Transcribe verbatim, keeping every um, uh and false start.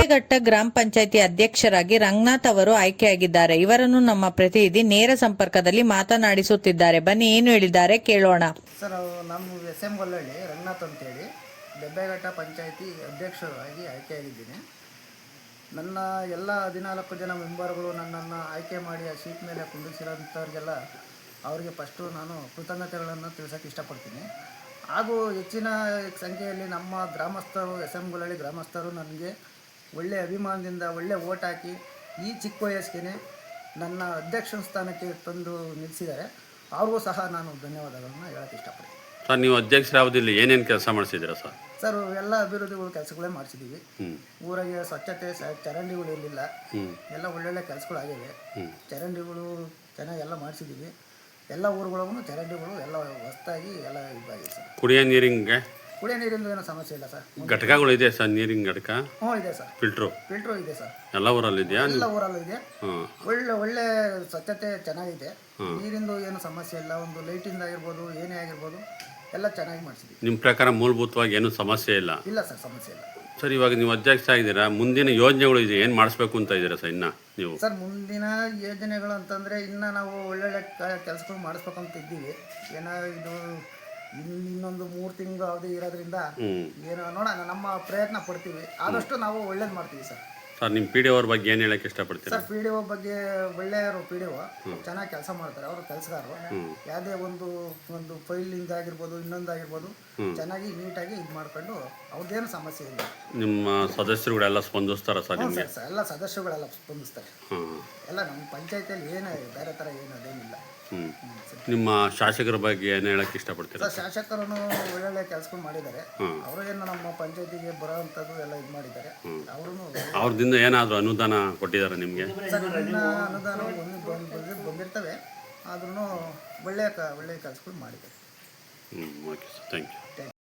ದೆಬ್ಬೆಘಟ್ಟ ಗ್ರಾಮ ಪಂಚಾಯಿತಿ ಅಧ್ಯಕ್ಷರಾಗಿ ರಂಗನಾಥ್ ಅವರು ಆಯ್ಕೆಯಾಗಿದ್ದಾರೆ. ಇವರನ್ನು ನಮ್ಮ ಪ್ರತಿನಿಧಿ ನೇರ ಸಂಪರ್ಕದಲ್ಲಿ ಮಾತನಾಡಿಸುತ್ತಿದ್ದಾರೆ. ಬನ್ನಿ ಏನು ಹೇಳಿದ್ದಾರೆ ಕೇಳೋಣ. ಸರ್, ನಮ್ಮ ಎಸ್ ಎಂ ಗೊಲ್ಲಹಳ್ಳಿ ರಂಗನಾಥ್ ಅಂತೇಳಿ ದೆಬ್ಬೆಘಟ್ಟ ಪಂಚಾಯಿತಿ ಅಧ್ಯಕ್ಷರಾಗಿ ಆಯ್ಕೆಯಾಗಿದ್ದೀನಿ. ನನ್ನ ಎಲ್ಲ ಹದಿನಾಲ್ಕು ಜನ ಮೆಂಬರ್ಗಳು ನನ್ನನ್ನು ಆಯ್ಕೆ ಮಾಡಿ ಆ ಸೀಟ್ ಮೇಲೆ ಕುಂಡಿಸಿರೋಂಥವ್ರಿಗೆಲ್ಲ ಅವರಿಗೆ ಫಸ್ಟು ನಾನು ಕೃತಜ್ಞತೆಗಳನ್ನು ತಿಳಿಸೋಕ್ಕೆ ಇಷ್ಟಪಡ್ತೀನಿ. ಹಾಗೂ ಹೆಚ್ಚಿನ ಸಂಖ್ಯೆಯಲ್ಲಿ ನಮ್ಮ ಗ್ರಾಮಸ್ಥರು, ಎಸ್ ಎಂ ಗೊಲ್ಲಹಳ್ಳಿ ಗ್ರಾಮಸ್ಥರು ನನಗೆ ಒಳ್ಳೆಯ ಅಭಿಮಾನದಿಂದ ಒಳ್ಳೆ ಓಟ್ ಹಾಕಿ ಈ ಚಿಕ್ಕ ವಯಸ್ಸಿಗೆ ನನ್ನ ಅಧ್ಯಕ್ಷ ಸ್ಥಾನಕ್ಕೆ ತಂದು ನಿಲ್ಲಿಸಿದ್ದಾರೆ. ಅವ್ರಿಗೂ ಸಹ ನಾನು ಧನ್ಯವಾದಗಳನ್ನು ಹೇಳೋಕ್ಕೆ ಇಷ್ಟಪಡ್ತೀನಿ. ಸರ್, ನೀವು ಅಧ್ಯಕ್ಷರಾಗೋದಿಲ್ಲ ಏನೇನು ಕೆಲಸ ಮಾಡಿಸಿದ್ದೀರಾ ಸರ್? ಸರ್, ಎಲ್ಲ ಅಭಿವೃದ್ಧಿಗಳು ಕೆಲಸಗಳೇ ಮಾಡಿಸಿದ್ದೀವಿ. ಊರಿಗೆ ಸ್ವಚ್ಛತೆ, ಚರಂಡಿಗಳು ಇರಲಿಲ್ಲ, ಎಲ್ಲ ಒಳ್ಳೊಳ್ಳೆ ಕೆಲಸಗಳಾಗಿವೆ. ಚರಂಡಿಗಳು ಚೆನ್ನಾಗಿ ಎಲ್ಲ ಮಾಡಿಸಿದ್ದೀವಿ. ಎಲ್ಲ ಊರುಗಳಿಗೂ ಚರಂಡಿಗಳು ಎಲ್ಲ ಹೊಸದಾಗಿ ಎಲ್ಲ ಇದಾಗಿದೆ ಸರ್. ಕುಡಿಯೋ ನೀರಿಂಗೆ ಕುಡಿಯೋ ನೀರಿಂದ ಏನೋ ಸಮಸ್ಯೆ ಇಲ್ಲ ಸರ್. ಘಟಕಗಳು ಇದೆ ಸರ್, ನೀರಿನ ಘಟಕ? ಹ್ಞೂ ಇದೆ ಸರ್. ಫಿಲ್ಟ್ರು ಫಿಲ್ಟ್ರು ಇದೆ ಸರ್. ಎಲ್ಲ ಊರಲ್ಲಿ ಇದೆಯಾ? ಎಲ್ಲ ಊರಲ್ಲೂ ಇದೆ. ಒಳ್ಳೆ ಒಳ್ಳೆ ಸ್ವಚ್ಛತೆ ಚೆನ್ನಾಗಿದೆ. ನೀರಿಂದು ಏನು ಸಮಸ್ಯೆ ಇಲ್ಲ. ಒಂದು ಲೈಟಿಂದ ಆಗಿರ್ಬೋದು, ಏನೇ ಆಗಿರ್ಬೋದು ಎಲ್ಲ ಚೆನ್ನಾಗಿ ಮಾಡಿಸಿದ್ವಿ. ನಿಮ್ಮ ಪ್ರಕಾರ ಮೂಲಭೂತವಾಗಿ ಏನು ಸಮಸ್ಯೆ ಇಲ್ಲ? ಇಲ್ಲ ಸರ್, ಸಮಸ್ಯೆ ಇಲ್ಲ. ಸರ್, ಇವಾಗ ನೀವು ಅಧ್ಯಕ್ಷ ಆಗಿದ್ದೀರಾ, ಮುಂದಿನ ಯೋಜನೆಗಳು ಇದೆ, ಏನು ಮಾಡಿಸ್ಬೇಕು ಅಂತ ಇದ್ದೀರಾ ಸರ್ ಇನ್ನು ನೀವು? ಸರ್, ಮುಂದಿನ ಯೋಜನೆಗಳು ಅಂತಂದರೆ ಇನ್ನು ನಾವು ಒಳ್ಳೊಳ್ಳೆ ಕೆಲಸಗಳು ಮಾಡಿಸ್ಬೇಕಂತ ಇದ್ದೀವಿ. ಏನೋ ಇದು ಇನ್ನು ಇನ್ನೊಂದು ಮೂರು ತಿಂಗಳು ಅವಧಿ ಇರೋದ್ರಿಂದ ಏನೋ ನೋಡೋಣ, ನಮ್ಮ ಪ್ರಯತ್ನ ಪಡ್ತೀವಿ. ಆದಷ್ಟು ನಾವು ಒಳ್ಳೇದು ಮಾಡ್ತೀವಿ ಸರ್. ಸರ್, ನಿಮ್ಮ ಪಿ ಡಿ ಅವ್ರ ಬಗ್ಗೆ ಏನು ಹೇಳಕ್ಕೆ ಇಷ್ಟಪಡ್ತೀರಾ? ಸರ್, ಪಿ ಡಿ ಒ ಬಗ್ಗೆ ಒಳ್ಳೆಯವರು. ಪಿ ಡಿ ಒ ಚೆನ್ನಾಗಿ ಕೆಲಸ ಮಾಡ್ತಾರೆ. ಅವರು ಕೆಲಸಗಾರರು. ಯಾವುದೇ ಒಂದು ಒಂದು ಫೈಲಿಂದ ಆಗಿರ್ಬೋದು, ಇನ್ನೊಂದಾಗಿರ್ಬೋದು ಚೆನ್ನಾಗಿ ನೀಟಾಗಿ ಇದು ಮಾಡ್ಕೊಂಡು ಅವ್ರದ್ದೇನು ಸಮಸ್ಯೆ ಇಲ್ಲ. ನಿಮ್ಮ ಸದಸ್ಯರುಗಳೆಲ್ಲ ಸ್ಪಂದಿಸ್ತಾರ ಸರ್ ನಿಮಗೆ? ಸರ್, ಎಲ್ಲ ಸದಸ್ಯರುಗಳೆಲ್ಲ ಸ್ಪಂದಿಸ್ತಾರೆ. ಎಲ್ಲ ನಮ್ಮ ಪಂಚಾಯತಿಯಲ್ಲಿ ಏನೇ ಬೇರೆ ಥರ ಏನು ಅದೇನಿಲ್ಲ. ನಿಮ್ಮ ಶಾಸಕರ ಬಗ್ಗೆ ಏನು ಹೇಳಕ್ಕೆ ಇಷ್ಟಪಡ್ತೀರಾ? ಸರ್, ಶಾಸಕರನ್ನು ಒಳ್ಳೊಳ್ಳೆ ಕೆಲಸಗಳು ಮಾಡಿದ್ದಾರೆ. ಅವರು ಏನು ನಮ್ಮ ಪಂಚಾಯತಿಗೆ ಬರೋವಂಥದ್ದು ಎಲ್ಲ ಇದು ಮಾಡಿದ್ದಾರೆ. ಅವರು ಅವ್ರದಿಂದ ಏನಾದರೂ ಅನುದಾನ ಕೊಟ್ಟಿದ್ದಾರೆ ನಿಮಗೆ? ಸರ್, ನನ್ನ ಅನುದಾನ ಬಂದಿರ್ತವೆ. ಆದ್ರೂ ಒಳ್ಳೆಯ ಕ ಒಳ್ಳೆಯ ಕೆಲಸಗಳು ಮಾಡಿದ್ದಾರೆ. ಹ್ಞೂ, ಓಕೆ ಸರ್, ಥ್ಯಾಂಕ್ ಯು.